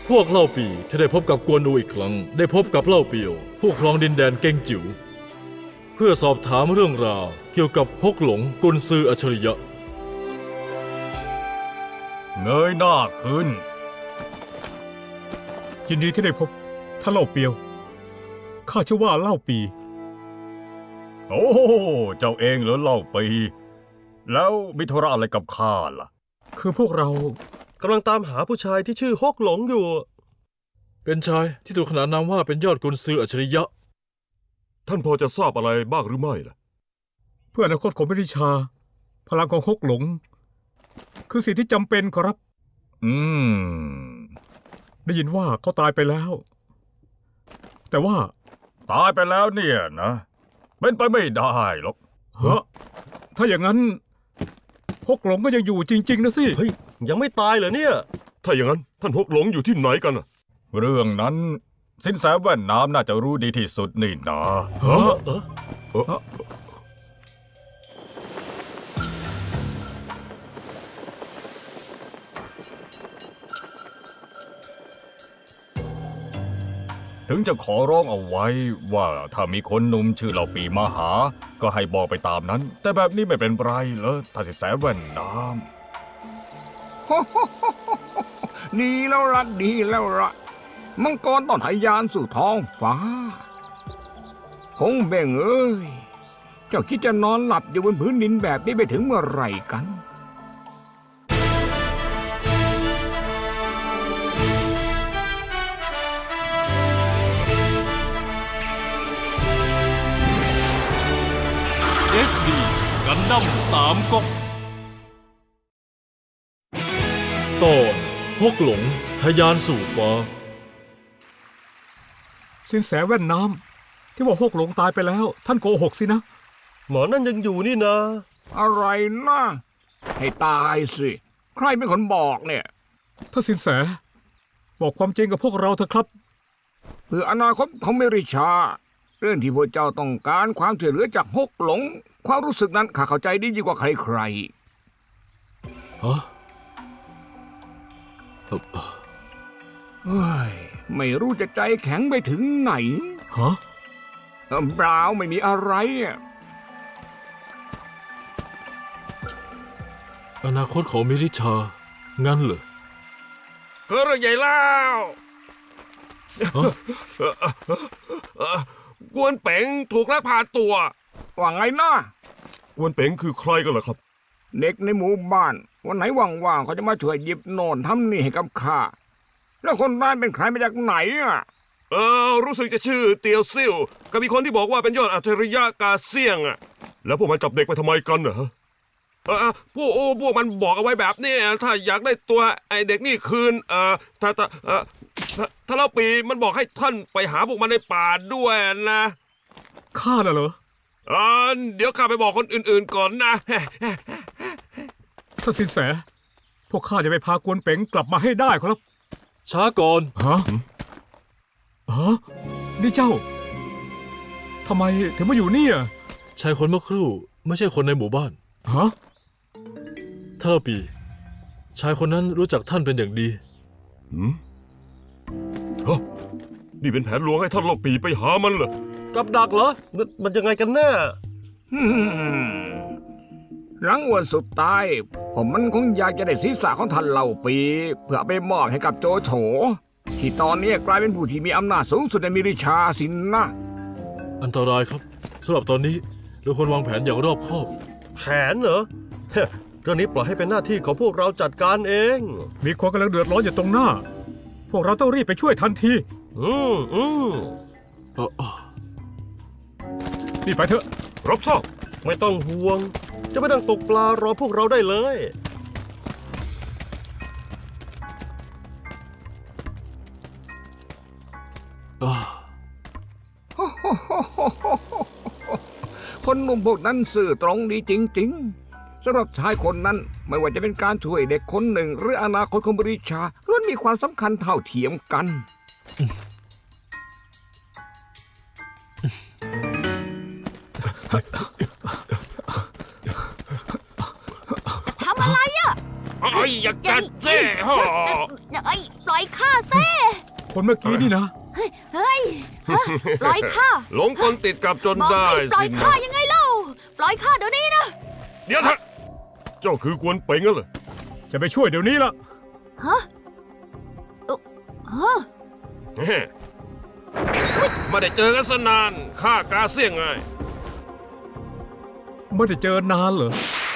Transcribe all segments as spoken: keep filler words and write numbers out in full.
พวกเล่าปีที่ได้พบกับกวนอูอีกครั้งได้พบกับเล่าเปียวผู้ครองดินแดนเก่งจิ๋วเพื่อสอบถามเรื่องราวเกี่ยวกับฮกหลงกุนซืออัจฉริยะเงยหน้าขึ้นยินดีที่ได้พบท่านเล่าเปียวข้าชื่อว่าเล่าปีโอ้เจ้าเองเหรอเล่าปีแล้วมีธุระอะไรกับข้าล่ะคือพวกเรากำลังตามหาผู้ชายที่ชื่อฮกหลงอยู่เป็นชายที่ถูกขนานนามว่าเป็นยอดกุนซืออัจฉริยะท่านพอจะทราบอะไรบ้างหรือไม่ล่ะเพื่ออนาคตของวิริชาพลังของฮกหลงคือสิ่งที่จำเป็นครับ อืมได้ยินว่าเขาตายไปแล้วแต่ว่าตายไปแล้วเนี่ยนะเป็นไปไม่ได้หรอกเฮ้อถ้าอย่างนั้นฮกหลงก็ยังอยู่จริงๆนะสิเฮ้ยยังไม่ตายเหรอเนี่ยถ้าอย่างนั้นท่านฮกหลงอยู่ที่ไหนกันน่ะเรื่องนั้นสินแสแว่นน้ำน่าจะรู้ดีที่สุดนี่นะฮะเออเออถึงจะขอร้องเอาไว้ว่าถ้ามีคนหนุ่มชื่อเหล่าปีมาหาก็ให้บอกไปตามนั้นแต่แบบนี้ไม่เป็นไรเหรอถ้าสินแสแว่นน้ำดีแล้วละดีแล้วละมังกรต้องทะยานสู่ท้องฟ้าคงเบ่งเอ้ยเจ้าคิดจะนอนหลับอยู่บนพื้นดินแบบนี้ไปถึงเมื่อไหร่กันเอส ดี กันดั้มสามก๊กตอนฮกหลงทะยานสู่ฟ้าสินแสแว่นน้ำที่ว่าฮกหลงตายไปแล้วท่านโกหกสินะหมอนั่นยังอยู่นี่นะอะไรนะให้ตายสิใครเป็นคนบอกเนี่ยท่านสินแสบอกความจริงกับพวกเราเถอะครับเพื่ออนาคตของเมริชาเรื่องที่พวกเจ้าต้องการความช่วยเหลือจากฮกหลงความรู้สึกนั้นข้าเข้าใจดียิ่งกว่าใครๆฮะเฮ้ยไม่รู้จะใจแข็งไปถึงไหนฮะเปล่าไม่มีอะไรอ่ะอนาคตของมิริชางั้นเหรอก็เรื่องใหญ่แล้วกวนเป๋งถูกลักพาตัวว่าไงนะกวนเป๋งคือใครกันล่ะครับเด็กในหมู่บ้านวันไหนว่างๆเขาจะมาช่วยหยิบโน่นทำนี่ให้กับข้าแล้วคนร้ายเป็นใครมาจากไหนอ่ะเออรู้สึกจะชื่อเตียวซิ่วก็มีคนที่บอกว่าเป็นยอดอัจฉริยะกาเซียงอ่ะแล้วพวกมันจับเด็กไปทำไมกันเหรอเออพวกโอ้พวกมันบอกเอาไว้แบบนี้ถ้าอยากได้ตัวไอเด็กนี่คืนเออถ้าถ้าเออถ้าเล่าปีมันบอกให้ท่านไปหาพวกมันในป่าด้วยนะข้าน่ะเหรออ่าเดี๋ยวข้าไปบอกคนอื่นๆก่อนนะท่านสินแสพวกข้าจะไปพากวนเป๋งกลับมาให้ได้ครับช้าก่อนฮะฮะนี่เจ้าทำไมถึงมาอยู่นี่อ่ะชายคนเมื่อครู่ไม่ใช่คนในหมู่บ้านฮะท่านเล่าปีชายคนนั้นรู้จักท่านเป็นอย่างดีหืมฮะนี่เป็นแผนลวงให้ท่านเล่าปีไปหามันเหรอกับดักเหรอมันยังไงกันแน่หลังวันสุดท้ายผมมันคงอยากจะได้ศีรษะของท่านเล่าปีเพื่อไปมอบให้กับโจโฉที่ตอนนี้กลายเป็นผู้ที่มีอำนาจสูงสุดในมิริชาสินนะอันตรายครับสำหรับตอนนี้เราควรวางแผนอย่างรอบคอบแผนเหรอเรื่องนี้ปล่อยให้เป็นหน้าที่ของพวกเราจัดการเองมีคนกำลังเดือดร้อนอยู่ตรงหน้าพวกเราต้องรีบไปช่วยทันทีอืมอืมเออรีบไปเถอะรับทราบไม่ต้องห่วงจะไม่ต้องตกปลารอพวกเราได้เลยคนหนุ่มพวกนั้นสื่อตรงดีจริงๆสำหรับชายคนนั้นไม่ว่าจะเป็นการช่วยเด็กคนหนึ่งหรืออนาคตของบริชาล้วนมีความสำคัญเท่าเทียมกันทำอะไรอ่ะอะไรยอย่ากัดเจ้ฮะเอ้ยปล่อยข้าเซ่คนเมื่อกี้นี่นะเฮ้ยเฮ้ยฮะปล่อยข้าหลงกลติดกับจนบอกได้ให้ปล่อสิยนะข้ายังไงเล่า ปล่อยข้าเดี๋ยวนี้นะเดี๋ยวเถอะเจ้าคือกวนเป่งงั้นเหรอจะไปช่วยเดี๋ยวนี้ละฮะเอ่อฮะเฮ้ไม่ได้เจอกันสนานข้ากาเสี่ยงไงไม่ได้เจอนานเหรอ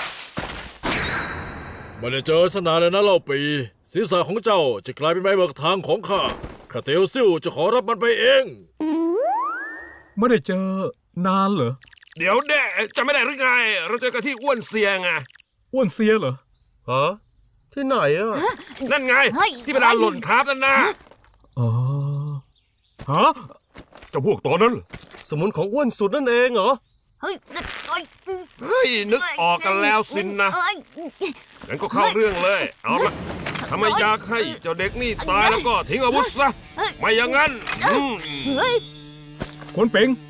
ไม่ได้เจอสนานเลยนะเล่าปีศีรษะของเจ้าจะกลายเป็นใบเบิกทางของข้าข้าเตียวซิ่วจะขอรับมันไปเองไม่ได้เจอนานเหรอเดี๋ยวแด่จะไม่ได้หรือไง เราเจอกันที่อ้วนเสียไงอ้วนเสียเหรอฮะ ที่ไหนอ่ะนั่นไงเฮ้ยที่เป็นดานหล่นทับนั่นนะอ๋อ ฮะเจ้าพวกตอนนั้นเหรอสมุนของอ้วนสุดนั่นเองเหรอเฮ้ยเอ้ยเฮ้ยนึกออกกันแล้วสินนะเอ้ยงั้นก็เข้าเรื่องเลย เอาละถ้าไม่อยากให้เจ้าเด็กนี่ตายแล้วก็ทิ้งอาวุธซะ ไม่อย่างนั้นอืมเฮ้ยคนเป๋ง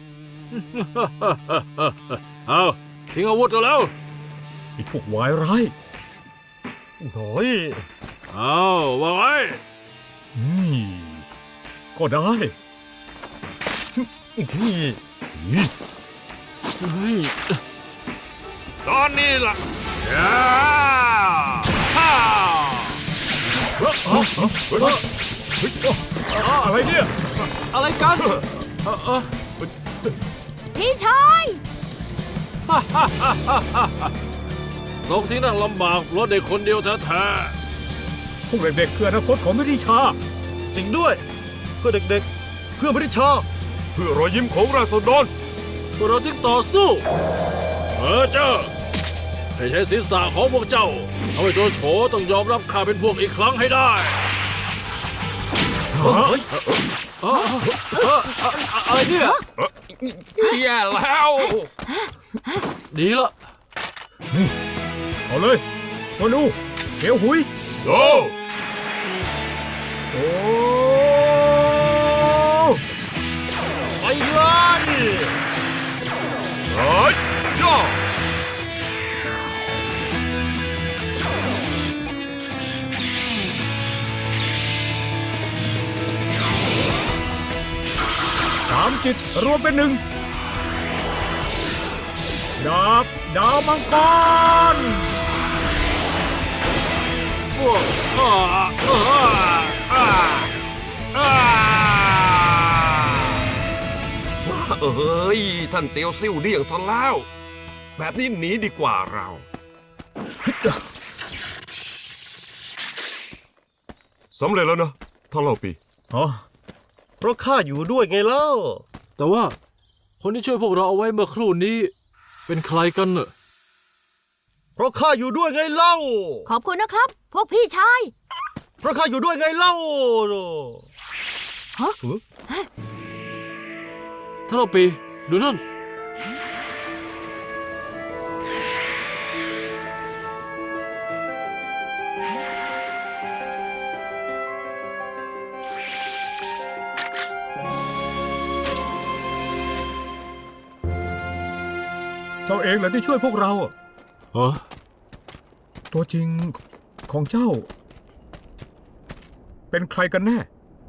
เอาทิ้งอาวุธกันแล้วไอ้พวกวายร้ายโอ้ยเอาว่าไว้นี่ก็ได้นี่เฮ้ยตอนนี้ล่ะย่าฮ่าอะไรเนี่ยอะไรกันเออเออพี่ชายลงที่นั่งลำบากเพราะเด็กคนเดียวแท้พวกเด็กๆคืออนาคตของมิริชาจริงด้วย เพื่อเด็กๆ เพื่อไม่ได้ชาเพื่อรอยยิ้มของราษฎรๆพวกเราทิ้งต่อสู้เออเจ้าให้ใช้ศีรษะของพวกเจ้าทำให้โจโฉต้องยอมรับข้าเป็นพวกอีกครั้งให้ได้เอ้ยเอ้อเอ้อเอ้ออะไรเนี่ยแย่แล้วดีละเอาเลยโอนูเขียวหุยโอ้โอ้ไปเลยเฮ้ยย่อสามจิตรวมเป็นหนึ่งดาบดาวมังกรพวกอ่าอ่าอ่าอ่าเอ้ยท่านเตียวซิ่วเดี่ยงซะแล้ว แบบนี้หนีดีกว่าเรา สำเร็จแล้วนะท่านเล่าปีอ๋อเพราะข้าอยู่ด้วยไงเล่าแต่ว่าคนที่ช่วยพวกเราเอาไว้เมื่อครู่นี้ เป็นใครกันเนอะเพราะข้าอยู่ด้วยไงเล่าขอบคุณนะครับ พวกพี่ชายเพราะข้าอยู่ด้วยไงเล่าฮะถ้าเราปีดูนั่นเจ้าเองเหรอที่ช่วยพวกเราอะฮะตัวจริงของเจ้า เป็นใครกันแน่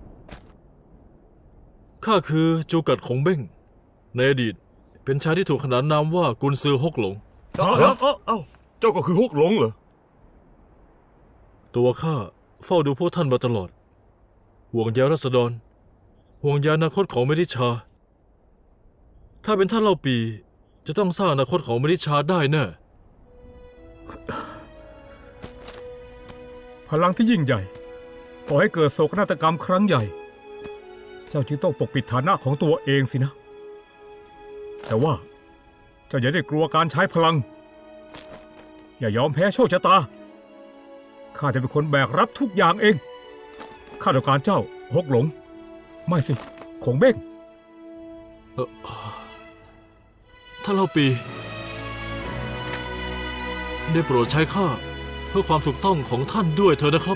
ข้าคือจูกัดของเบ้งในอดีตเป็นชายที่ถูกขนานนามว่ากุนซือฮกหลงเอ้าเอ้าเอ้าเอ้าเจ้าก็คือฮกหลงเหรอตัวข้าเฝ้าดูพวกท่านมาตลอด ห่วงใยรัษฎร ห่วงใยอนาคตของเมริชา ถ้าเป็นท่านเล่าปีจะต้องสร้างอนาคตของเมริชาได้แน่พลังที่ยิ่งใหญ่ก่อให้เกิดโศกนาฏกรรมครั้งใหญ่ เจ้าจึงต้องปกปิดฐานะของตัวเองสินะ แต่ว่าเจ้าอย่าได้กลัวการใช้พลัง อย่ายอมแพ้โชคชะตา ข้าจะเป็นคนแบกรับทุกอย่างเอง ข้าต้องการเจ้าฮกหลง ไม่สิคงเบ้งเอ่อท่านเล่าปีได้โปรดใช้ข้าเพื่อความถูกต้องของท่านด้วยเถอะนะครับ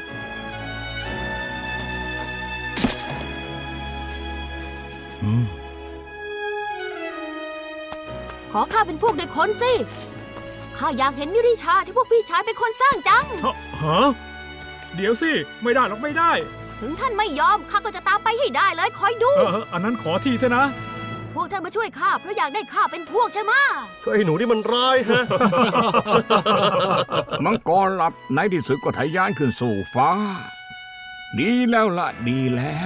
อืมขอข้าเป็นพวกเด็กคนสิ ข้าอยากเห็นมิริชาที่พวกพี่ชายเป็นคนสร้างจังฮะฮะเดี๋ยวสิ ไม่ได้หรอกไม่ได้ถึงท่านไม่ยอมข้าก็จะตามไปให้ได้เลยคอยดูเออเอออันนั้นขอทีเถอะนะพวกท่านมาช่วยข้าเพราะอยากได้ข้าเป็นพวกใช่ไหมะก็ไอ้หนูนี่มันร้ายฮะมังกรหลับในที่สุดก็ทะยานขึ้นสู่ฟ้า ดีแล้วละดีแล้ว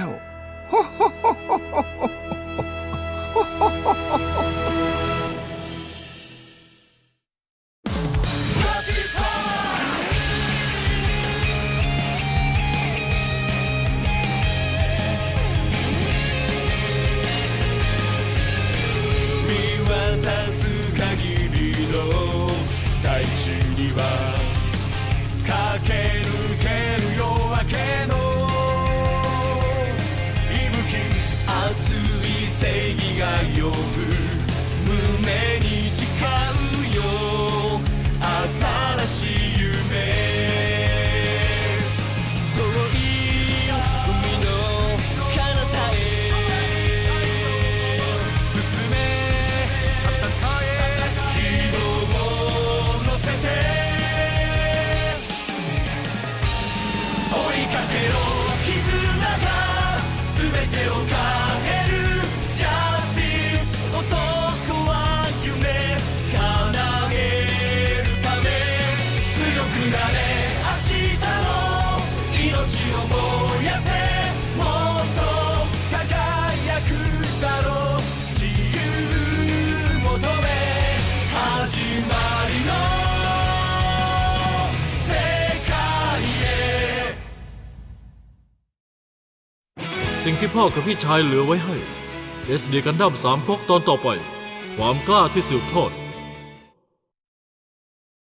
見渡す限りの大地には駆け抜ける夜明けの息吹熱い正義が呼ぶ胸に誓うよ新しい夢遠い海の彼方へ進め戦え希望を乗せて追いかけろ絆が全てを変えるジャスティス男は夢叶えるため強くなれ明日の命を燃やせもっと輝くだろう自由求め始まりの世界へสิ่งที่พ่อกับพี่ชายเหลือไว้ให้ เอส ดี กันดั้มสามก๊กตอนต่อไป ความกล้าที่สืบทอด